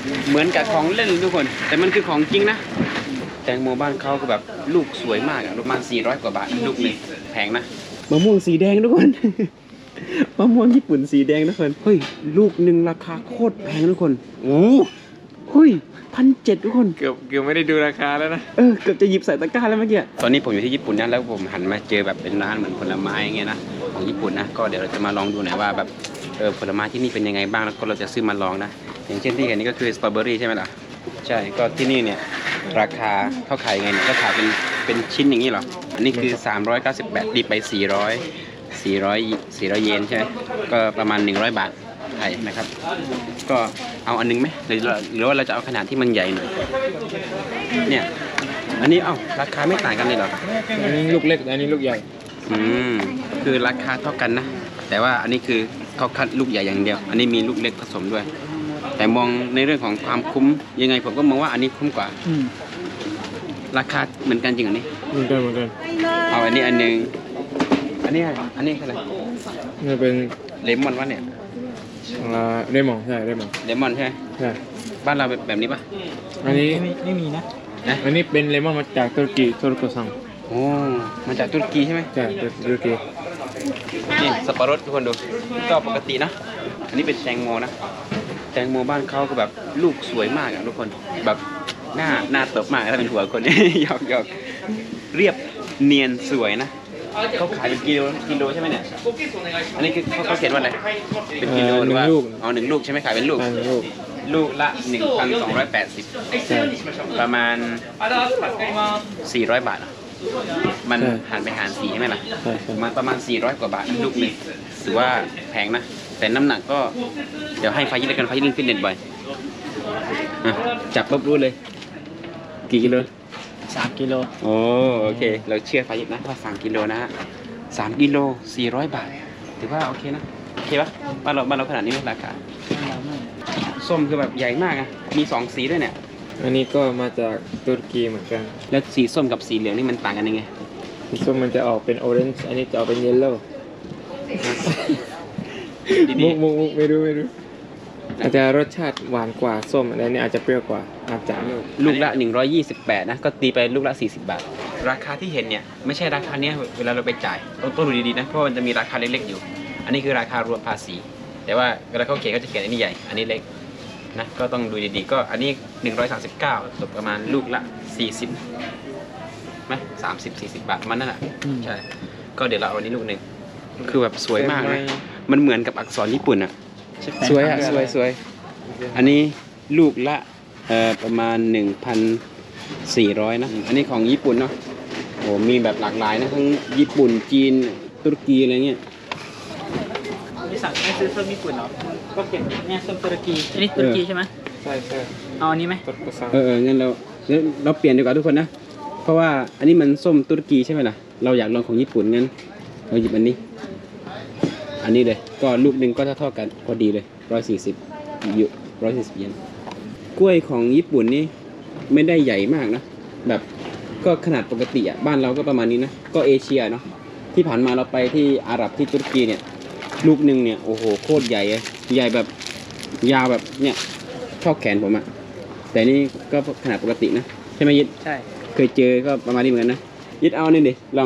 เหมือนกับของเล่นทุกคนแต่มันคือของจริงนะแตงโมบ้านเขาก็แบบลูกสวยมากอะประมาณ400 กว่าบาทลูกหนึ่งแพงนะมะม่วงสีแดงทุกคน มะม่วงญี่ปุ่นสีแดงทุกคนเฮ้ยลูกหนึ่งราคาโคตรแพงทุกคนโอ้เฮ้ย1,700ทุกคนเกือบไม่ได้ดูราคาแล้วนะเกือบจะหยิบใส่ตะกร้าแล้วเมื่อกี้ตอนนี้ผมอยู่ที่ญี่ปุ่นนะแล้วผมหันมาเจอแบบเป็นร้านเหมือนผลไม้อย่างเงี้ยนะของญี่ปุ่นนะก็เดี๋ยวเราจะมาลองดูหน่อยว่าแบบผลไม้ที่นี่เป็นยังไงบ้างแล้วก็เราจะซื้อมาลองนะอย่างเช่นที่เห็นนี่ก็คือสตรอเบอรี่ใช่ไหมล่ะใช่ก็ที่นี่เนี่ยราคาเขาขายยังไงเนี่ยก็ขายเป็นชิ้นอย่างนี้เหรออันนี้คือ398ดีไป400เยนใช่ไหมก็ประมาณ100 บาทไทยนะครับก็เอาอันนึงไหมหรือว่าเราจะเอาขนาดที่มันใหญ่หน่อยเนี่ยอันนี้ราคาไม่ต่างกันเลยเหรออันนี้ลูกเล็กอันนี้ลูกใหญ่คือราคาเท่ากันนะแต่ว่าอันนี้คือเขาคัดลูกใหญ่อย่างเดียวอันนี้มีลูกเล็กผสมด้วยแต่มองในเรื่องของความคุ้มยังไงผมก็มองว่าอันนี้คุ้มกว่าราคาเหมือนกันจริงอันนี้เหมือนกันเอาอันนี้อันนึงอันนี้อะไรนี่เป็นเลมอนวะเนี่ยเลมอนใช่เลมอนใช่ไหมใช่บ้านเราแบบนี้ปะอันนี้ไม่มีนะอันนี้เป็นเลมอนมาจากตุรกีโทรซังโอ้มาจากตุรกีใช่ไหมใช่ตุรกีนี่สับปะรดทุกคนดูก็ปกตินะอันนี้เป็นแตงโมนะแตงโมบ้านเขาก็แบบลูกสวยมากอะทุกคนแบบหน้าเติบมากถ้าเป็นหัวคน หยอกเรียบเนียนสวยนะเขาขายเป็นกิโลใช่ไหมเนี่ยอันนี้คือเขาเขียนว่าอะไรเป็นกิโลหรือว่า1 ลูกใช่ไหมขายเป็นลูกละ 1,280ประมาณ400 บาทมันหารไปหาร4ใช่ไหมล่ะมันประมาณ400 กว่าบาทลูกหนึ่งถือว่าแพงนะแต่น้ำหนักก็เดี๋ยวให้ไฟยิดกันไฟยิดเล่นฟิตเนสบ่อยจับปุ๊บรู้เลยกี่กิโล 3 กิโลโอเคเราเชื่อไฟยิดนะว่า3 กิโลนะฮะ3 กิโล400 บาทถือว่าโอเคนะโอเคปะบ้านเราขนาดนี้ไหมราคาส้มคือแบบใหญ่มากอะมี2 สีด้วยเนี่ยอันนี้ก็มาจากตุรกีเหมือนกันแล้วสีส้มกับสีเหลืองนี่มันต่างกันยังไงสีส้มมันจะออกเป็นออเรนจ์อันนี้จะออกเป็นเยลโล่มุกไม่รู้อาจจะรสชาติหวานกว่าส้มอันนี้อาจจะเปรี้ยวกว่าอาจจะลูกละ128นะก็ตีไปลูกละ40 บาทราคาที่เห็นเนี่ยไม่ใช่ราคาเนี้ยเวลาเราไปจ่ายต้องดูดีๆนะเพราะมันจะมีราคาเล็กๆอยู่อันนี้คือราคารวมภาษีแต่ว่าเวลาเขาเขียนเขาจะเขียนอันนี้ใหญ่อันนี้เล็กนะก็ต้องดูดีๆก็อันนี้139ตกประมาณลูกละ40ไหม30-40 บาทมันนั่นแหละใช่ก็เดี๋ยวเราเอาอันนี้ลูกหนึ่งคือแบบสวยมากนะมันเหมือนกับอักษรญี่ปุ่นอ่ะสวยอ่ะสวยอันนี้ลูกละประมาณ 1,400นะอันนี้ของญี่ปุ่นเนาะโอ้มีแบบหลากหลายนะทั้งญี่ปุ่นจีนตุรกีอะไรเงี้ยไม่ซื้อส้มญี่ปุ่นหรอก็เก็บเนี่ยส้มตุรกีอันนี้ตุรกีใช่ไหมใช่เอาอันนี้ไหมงั้นเราเปลี่ยนดีกว่าทุกคนนะเพราะว่าอันนี้มันส้มตุรกีใช่ไหมล่ะเราอยากลองของญี่ปุ่นงั้นเราหยิบอันนี้เลยก็ลูกหนึ่งก็เท่ากันพอดีเลย140เยนกล้วยของญี่ปุ่นนี่ไม่ได้ใหญ่มากนะแบบก็ขนาดปกติอ่ะบ้านเราก็ประมาณนี้นะก็เอเชียเนาะที่ผ่านมาเราไปที่อาหรับที่ตุรกีเนี่ยลูกหนึ่งเนี่ยโอ้โหโคตรใหญ่เลยใหญ่แบบยาวแบบเนี่ยเท่าแขนผมอ่ะแต่นี่ก็ขนาดปกตินะใช่ไหมยิดใช่เคยเจอก็ประมาณนี้เหมือนกันนะยิดเอานี่ดิลอง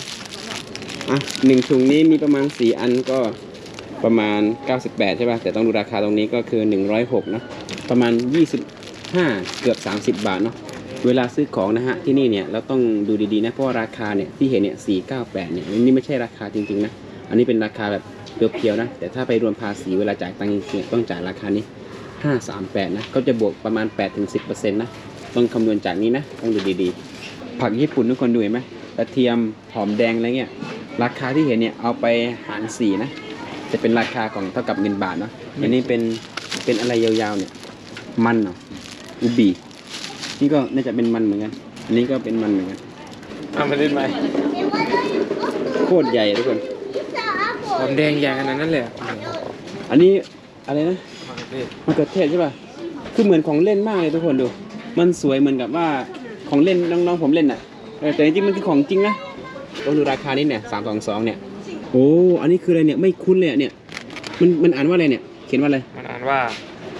1 ถุงนี้มีประมาณ4 อันก็ประมาณ98ใช่ป่ะแต่ต้องดูราคาตรงนี้ก็คือ106นะประมาณ25เกือบ30 บาทเนาะเวลาซื้อของนะฮะที่นี่เนี่ยเราต้องดูดีๆนะเพราะราคาเนี่ยที่เห็นเนี่ย498เนี่ยนี่ไม่ใช่ราคาจริงๆนะอันนี้เป็นราคาแบบเพียวๆนะแต่ถ้าไปรวมภาษีเวลาจ่ายตังค์จริงๆต้องจ่ายราคานี้538นะก็จะบวกประมาณ 8-10% นะต้องคำนวณจากนี้นะต้องดูดีๆผักญี่ปุ่นทุกคนดูเห็นไหมกระเทียมหอมแดงอะไรเงี้ยราคาที่เห็นเนี่ยเอาไปหาร4นะจะเป็นราคาของเท่ากับเงินบาทเนาะอันนี้เป็นอะไรยาวๆเนี่ยมันเนาะอุบีนี่ก็น่าจะเป็นมันเหมือนกันอันนี้ก็เป็นมันเหมือนกันมาเล่นไหมโคตรใหญ่ทุกคนหอมแดงใหญ่ขนาดนั้นเลยอันนี้อะไรนะมะเขือเทศใช่ป่ะคือเหมือนของเล่นมากเลยทุกคนดูมันสวยเหมือนกับว่าของเล่นน้องๆผมเล่นอ่ะแต่จริงๆมันคือของจริงนะต้องดูราคานี้เนี่ย322เนี่ยโอ้อันนี้คืออะไรเนี่ยไม่คุ้นเลยเนี่ยมันอ่านว่าอะไรเนี่ยเขียนว่าอะไรมันอ่านว่า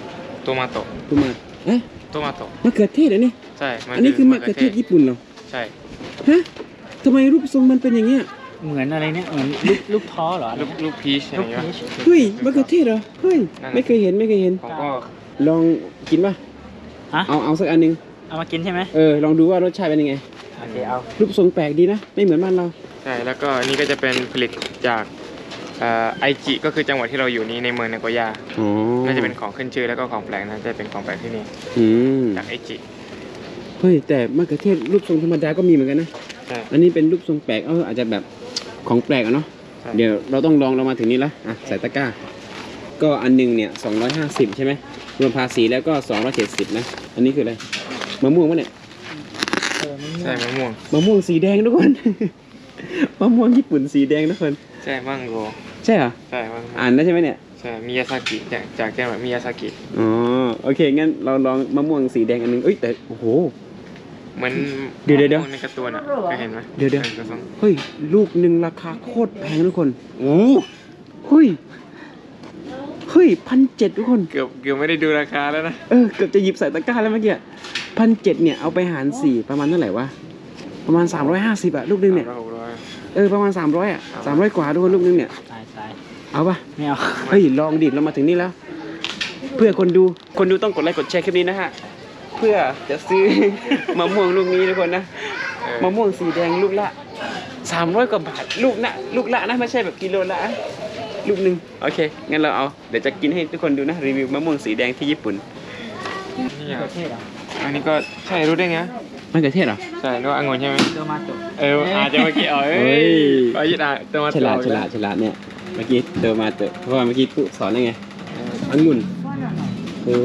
ตัวมาโตะตัวมาเอ๊ะตัวมาโตะมะเขือเทศเหรอนี่ใช่อันนี้คือมะเขือเทศญี่ปุ่นเหรอใช่ฮะทำไมรูปทรงมันเป็นอย่างเงี้ยเหมือนอะไรเนี่ยเหมือนลูกท้อเหรออะไรลูกพีชอะไรลูกเงี้ยพีชเฮ้ยมะเขือเทศเหรอเฮ้ยนั่นน่ะไม่เคยเห็นไม่เคยเห็นผมก็ลองกินป่ะฮะเอาสักอันหนึงเอามากินใช่ไหมลองดูว่ารสชาติเป็นยังไงโอเคเอารูปทรงแปลกดีนะไม่เหมือนบ้านเราใช่แล้วก็นี่ก็จะเป็นผลิตจากไอจิก็คือจังหวัดที่เราอยู่นี้ในเมืองนาโกย่าอ๋อน่าจะเป็นของขึ้นชื่อแล้วก็ของแปลกนะจะเป็นของแปลกที่นี่อืมจากไอจิเฮ้ยแต่มะเขือเทศรูปทรงธรรมดาก็มีเหมือนกันนะใช่อันนี้เป็นรูปทรงแปลกอาจจะแบบของแปลกอะเนาะใช่เดี๋ยวเราต้องลองเรามาถึงนี้แล้วอ่ะใส่ตะกร้า ก็อันหนึงเนี่ย250ใช่ไหมรวมภาษีแล้วก็270นะอันนี้คืออะไรมะม่วงปะเนี่ยมันใช่มะม่วงมะม่วงสีแดงทุกคน มะม่วงญี่ปุ่นสีแดงทุกคนใช่มังโกใช่เหรอใช่มังโกอ่านได้ใช่ไหมเนี่ยใช่มิยาซากิจากจังหวัดมิยาซากิอ๋อโอเคงั้นเราลองมะม่วงสีแดงอันหนึงเอ้ยแต่โอ้โหเหมือนเดี๋ยวมะม่วงในการ์ตูนอ่ะเคยเห็นไหมเดี๋ยวกระทรงเฮ้ยลูกหนึ่งราคาโคตรแพงทุกคนโอ้เฮ้ย1,700ทุกคนเกือบไม่ได้ดูราคาแล้วนะเกือบจะหยิบใส่ตะกร้าแล้วเมื่อกี้1,700เนี่ยเอาไปหาร4ประมาณเท่าไหร่วะประมาณ350อะลูกนึงเนี่ย 600 ประมาณ300อะ300กว่าทุกคนลูกนึงเนี่ยตายเอาปะไม่เอาเฮ้ยลองดิเรามาถึงนี่แล้ว เพื่อคนดูต้องกดไลค์กดแชร์คลิปนี้นะฮะเพื่อจะซื้อ มะม่วงลูกนี้ทุกคนนะมะม่วงสีแดงลูกละ300กว่าบาทลูกละนะไม่ใช่แบบกิโลละลูกนึงโอเคงั้นเราเอาเดี๋ยวจะกินให้ทุกคนดูนะรีวิวมะม่วงสีแดงที่ญี่ปุ่นนี่ปอ่ะระเทศเหรออันนี้ก็ใช่รู้ได้ไงมะเขือเทศเหรอใช่รู้ว่าองุ่นใช่ไหมโดมาโตะอาจจะเมื่อกี้เอ้ยก็ยึดอ่ะตัวมาฉลาดเนี่ยเมื่อกี้เดินมาเตอะเพราะว่าเมื่อกี้ปุ๊สอนได้ไงองุ่นโอ้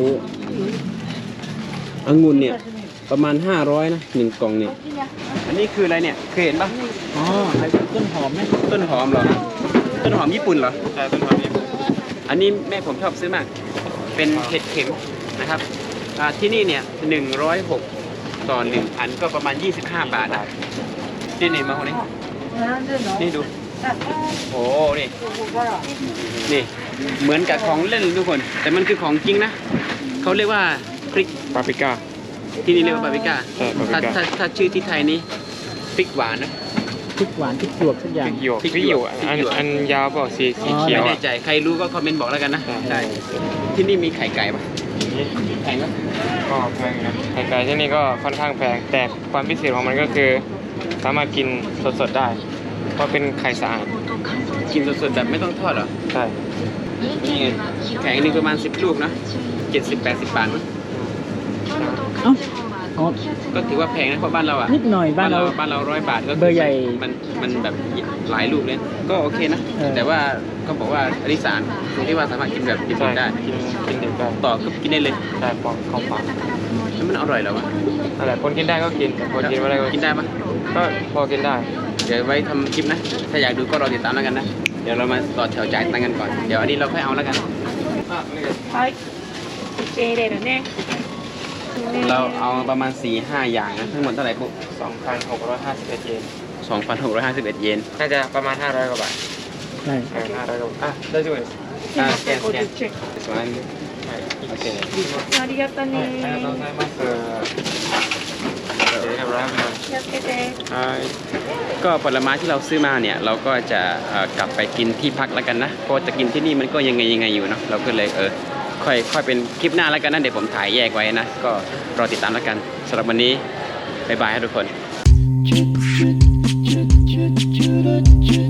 องุ่นเนี่ยประมาณ500นะ1กล่องเนี่ยอันนี้คืออะไรเนี่ยเคยเห็นปะอ๋อไอ้ต้นหอมไหมต้นหอมเหรอต้นหอมญี่ปุ่นเหรอใช่ต้นหอมนี่อันนี้แม่ผมชอบซื้อมากเป็นเห็ดเข็มนะครับที่นี่เนี่ย106ต่อ1อันก็ประมาณ25 บาทนะนี่มาคนนี้นี่ดูโอ้นี่เหมือนกับของเล่นทุกคน แต่มันคือของจริงนะเขาเรียกว่าพริกปาปริก้าที่นี่เรียกว่าปาปริก้าใช่ปาปริก้าถ้าชื่อที่ไทยนี้พริกหวานนะพริกหวานพริกหยวกทุกอย่างพริกหยวกพริกพริกหยวกพริกหยวกอันยาวเปล่าสีอ๋อเขียวไม่แน่อ่ะใจใครรู้ก็คอมเมนต์บอกแล้วกันนะใช่ใช่ที่นี่มีไข่ไก่ปะแพงปะก็แพงนะไข่ไก่ที่นี่ก็ค่อนข้างแพงแต่ความพิเศษของมันก็คือสามารถกินสดๆได้ เพราะเป็นไข่สะอาดกินสดๆแบบไม่ต้องทอดเหรอใช่นี่ไงแข็งหนึงประมาณ10 ลูกนะ70-80 บาทมั้งเอ้าอ๋อก็ถือว่าแพงนะเพราะบ้านเราอ่ะนิดหน่อยบ้านเรา 100 บาทก็คืเบอร์ใหญ่มันแบบหลายลูกเลยก็โอเคนะ แต่ว่าเขาบอกว่าอริสานตรงที่ว่าสามารถกินแบบญี่ใช่ปุ่นได้กินเด็กได้ต่อก็กินได้เลยใช่ปอกเข้าปากแล้วมันอร่อยเหรอวะอะไรคนกินได้ก็กินแต่คนกินไม่ได้ก็กินได้ปะก็พอกินได้เดี๋ยวไว้ทำคลิปนะ ถ้าอยากดูก็รอติดตามแล้วกันนะ เดี๋ยวเรามาต่อแถวจ่ายตังค์กันก่อน เดี๋ยวอันนี้เราค่อยเอาแล้วกัน เราเอาประมาณ 4-5 อย่างนะทั้งหมดเท่าไหร่ปุ๊บ 2,651 เยน 2,651 เยนน่าจะประมาณ500 กว่าบาทใช่ 500 กว่าบาทอ่ะได้ด้วยสแกนส่วนนั้นโอเคありがとうありがとうごね。 ざいますเรียบร้อยครับ気をつけて。 ก็ผลไม้ที่เราซื้อมาเนี่ยเราก็จะกลับไปกินที่พักแล้วกันนะ เพราะจะกินที่นี่มันก็ยังไงอยู่เนาะ เราก็เลยค่อยเป็นคลิปหน้าแล้วกันนะ เดี๋ยวผมถ่ายแยกไว้นะ ก็รอติดตามแล้วกันสำหรับวันนี้บ๊ายบายครับทุกคน